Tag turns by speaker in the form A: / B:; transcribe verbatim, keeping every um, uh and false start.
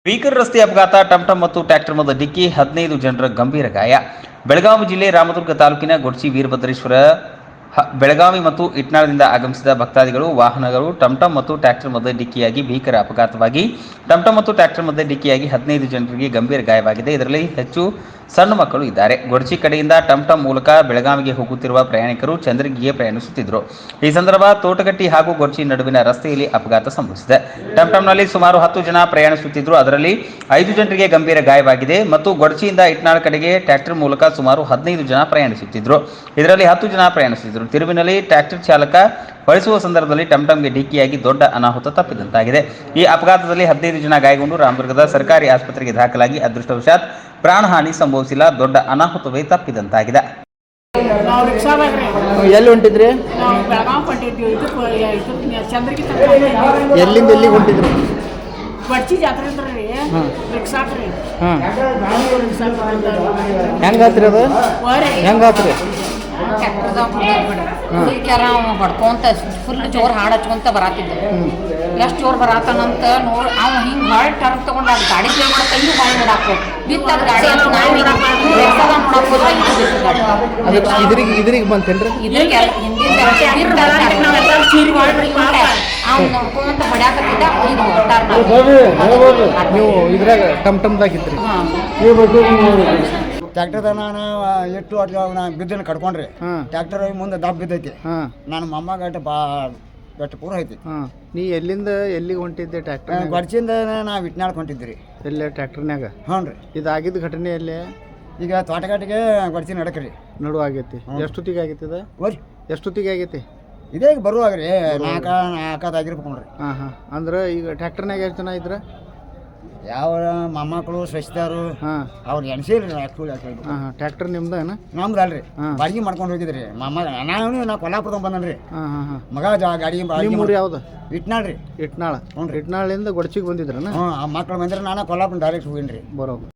A: ಭೀಕರ ರಸ್ತೆ ಅಪಘಾತ, ಟಂಟಂ ಮತ್ತು ಟ್ರ್ಯಾಕ್ಟರ್ ಮಧ್ಯೆ ಡಿಕ್ಕಿ, ಹದಿನೈದು ಜನರ ಗಂಭೀರ ಗಾಯ. ಬೆಳಗಾವಿ ಜಿಲ್ಲೆ ರಾಮದುರ್ಗ ತಾಲೂಕಿನ ಗೊಡ್ಚಿ ವೀರಭದ್ರೇಶ್ವರ ಬೆಳಗಾವಿ ಮತ್ತು ಇಟ್ನಾಳದಿಂದ ಆಗಮಿಸಿದ ಭಕ್ತಾದಿಗಳು ವಾಹನಗಳು ಟಂಟಂ ಮತ್ತು ಟ್ರ್ಯಾಕ್ಟರ್ ಮಧ್ಯೆ ಡಿಕ್ಕಿಯಾಗಿ ಭೀಕರ ಅಪಘಾತವಾಗಿ ಟಂಟಂ ಮತ್ತು ಟ್ರ್ಯಾಕ್ಟರ್ ಮಧ್ಯೆ ಡಿಕ್ಕಿಯಾಗಿ ಹದಿನೈದು ಜನರಿಗೆ ಗಂಭೀರ ಗಾಯವಾಗಿದೆ. ಇದರಲ್ಲಿ ಹೆಚ್ಚು ಸಣ್ಣ ಮಕ್ಕಳು ಇದ್ದಾರೆ. ಗೊಡ್ಚಿ ಕಡೆಯಿಂದ ಟಂಟಂ ಮೂಲಕ ಬೆಳಗಾವಿಗೆ ಹೋಗುತ್ತಿರುವ ಪ್ರಯಾಣಿಕರು ಚಂದ್ರಗಿರಿಗೆ ಪ್ರಯಾಣಿಸುತ್ತಿದ್ದರು. ಈ ಸಂದರ್ಭ ತೋಟಗಟ್ಟಿ ಹಾಗೂ ಗೊಡ್ಚಿ ನಡುವಿನ ರಸ್ತೆಯಲ್ಲಿ ಅಪಘಾತ ಸಂಭವಿಸಿದೆ. ಟಂಟಂನಲ್ಲಿ ಸುಮಾರು ಹತ್ತು ಜನ ಪ್ರಯಾಣಿಸುತ್ತಿದ್ದರು. ಅದರಲ್ಲಿ ಐದು ಜನರಿಗೆ ಗಂಭೀರ ಗಾಯವಾಗಿದೆ ಮತ್ತು ಗೊಡ್ಚಿಯಿಂದ ಇಟ್ನಾಳ ಕಡೆಗೆ ಟ್ರ್ಯಾಕ್ಟರ್ ಮೂಲಕ ಸುಮಾರು ಹದಿನೈದು ಜನ ಪ್ರಯಾಣಿಸುತ್ತಿದ್ದರು. ಇದರಲ್ಲಿ ಹತ್ತು ಜನ ಪ್ರಯಾಣಿಸುತ್ತಿದ್ದರು. ತಿರುವಿನಲ್ಲಿ ಟ್ರ್ಯಾಕ್ಟರ್ ಚಾಲಕ ಬಳಸುವ ಸಂದರ್ಭದಲ್ಲಿ ಟಂಟಂಗೆ ಡಿಕ್ಕಿಯಾಗಿ ದೊಡ್ಡ ಅನಾಹುತ ತಪ್ಪಿದಂತಾಗಿದೆ. ಈ ಅಪಘಾತದಲ್ಲಿ ಹದಿನೈದು ಜನ ಗಾಯಗೊಂಡು ರಾಮದುರ್ಗದ ಸರ್ಕಾರಿ ಆಸ್ಪತ್ರೆಗೆ ದಾಖಲಾಗಿ ಅದೃಷ್ಟವಶಾತ್ ಪ್ರಾಣಹಾನಿ ಸಂಭವಿಸಿಲ್ಲ. ದೊಡ್ಡ ಅನಾಹುತವೇ ತಪ್ಪಿದಂತಾಗಿದೆ.
B: ಎಲ್ಲಿ ಹೊಂಟಿದ್ರಿ? ಎಲ್ಲಿಂದ ಎಲ್ಲಿಗೆ ಹೊಂಟಿದ್ರಿ?
C: ಗೊಡ್ಚಿ ಜಾತ್ರೆ ರೀ ರಿಕ್ಷಾಕ್ರಿ.
B: ಹೆಂಗಾತ್ರಿ ಅದು? ಹೆಂಗಾತ್ರಿ?
D: ಕ್ಯಾರ ಹೊಡ್ಕೊಂತ ಫುಲ್ ಜೋರು ಹಾಡು ಹಚ್ಕೊಂತ ಬರಾತಿದ್ದ. ಎಷ್ಟು ಜೋರು ಬರಾತನಂತ ನೋಡಿ ಅವ್ ಹಿಂಗೆ ಹೊಳ್ ಟರ್ನ್ ತಗೊಂಡು ಅದು ಗಾಡಿ ಪ್ಲೇ ಮಾಡಕ್ಕೆ ಹಿಂಗೆ ಹೊಳ್ ನೋಡಾಕೋ ಬಿತ್ತದ ಗಾಡಿ ಅಂತ ನಾವು ನೋಡಕ್ಕೆ
B: ಇದ್ರಿಗೆ ಇದ್ರಿಗೆ ಬಂತೇನ್ರಿ?
D: ಇದ್ರಿಗೆ ಹಿಂದಿನ ಸೀರೆ ಅವ್ನು ನೋಡ್ಕೊಂತ ಬಡ್ಯಾಕತ್ತಿದ್ದ. ಇದು ಟರ್ನ್
B: ನೀವು ಇದ್ರಾಗ ಟಮ್ ಟಮ್ದಾಗಿದ್ರಿ?
E: ಟ್ಯಾಕ್ಟರ್ದಾಗ ನಾನು ಎಷ್ಟು ನಾ ಬಿದ್ದನ್ನು ಕಡ್ಕೊಂಡ್ರಿ. ಟ್ಯಾಕ್ಟರ್ ಮುಂದೆ ದಬ್ಬ ಬಿದ್ದೈತಿ. ನಾನು ಮೊಮ್ಮ ಗಟ್ಟ ಬಾ ಗಟ್ಟ ಪೂರ ಐತಿ.
B: ನೀ ಎಲ್ಲಿಂದ ಎಲ್ಲಿಗೆ ಹೊಂಟಿದ್ದೆ? ಟ್ಯಾಕ್ಟರ್
E: ಗೊಡ್ಚಿಂದ ನಾವು ಇಟ್ನಾಳ್ ಹೊಂಟಿದ್ರಿ.
B: ಎಲ್ಲೇ ಟ್ಯಾಕ್ಟರ್ನ್ಯಾಗ? ಹ್ಞೂ ರೀ. ಇದಾಗಿದ್ದ ಘಟನೆ ಎಲ್ಲಿ?
E: ಈಗ ತೋಟಗಾಟಿಗೆ ಗೊಡ್ಚಿ ನಡಕ್ರಿ
B: ನಡು ಆಗೈತಿ. ಎಷ್ಟೊತ್ತಿಗೆ ಆಗೈತಿ ಇದು?
E: ಓರಿ
B: ಎಷ್ಟೊತ್ತಿಗೆ ಆಗೈತಿ?
E: ಇದೇ ಈಗ ಬರುವಾಗ್ರಿ ನಾಲ್ಕ ನಾಲ್ಕದಾಗಿರ್ಬೇಕು ನೋಡ್ರಿ.
B: ಹಾಂ ಹಾಂ ಅಂದ್ರೆ ಈಗ ಟ್ಯಾಕ್ಟರ್ನಾಗ ಎಷ್ಟು ಜನ ಇದ್ರ?
E: ಯಾವ ಮೊಮ್ಮಕ್ಕಳು ಸ್ವಚ್ಛದಾರು
B: ಹಾಂ
E: ಅವ್ರು ಎಣ್ಸಿಲ್ರಿ. ಆ್ಯಕ್ಚುಲಿ
B: ಹಾಂ ಹಾಂ ಟ್ಯಾಕ್ಟರ್ ನಿಮ್ದೇನ?
E: ನಮ್ದು ಅಲ್ರಿ, ಬಾಡಿಗೆ ಮಾಡ್ಕೊಂಡು ಹೋಗಿದ್ರಿ ಮಾಮ. ನಾನು ನಾ ಕೊಲ್ಲಾಪುರದಾಗ ಬಂದನ್ರಿ.
B: ಹಾಂ ಹಾಂ ಹಾಂ
E: ಮಗ ಜಾ ಗಾಡಿ
B: ಊರು ಯಾವ್ದು?
E: ಇಟ್ನಾಳ್ರಿ.
B: ಇಟ್ನಾಳ. ಹ್ಞೂ ಇಟ್ನಾಳಿಂದ ಗೊಡ್ಚಿಗೆ ಬಂದಿದ್ರನ?
E: ಹ್ಞೂ ಆ ಮಕ್ಳು ಬಂದ್ರೆ ನಾನು ಕೊಲ್ಲಾಪುರ ಡೈರೆಕ್ಟ್ ಹೋಗಿನ್ರಿ.
B: ಬರೋದು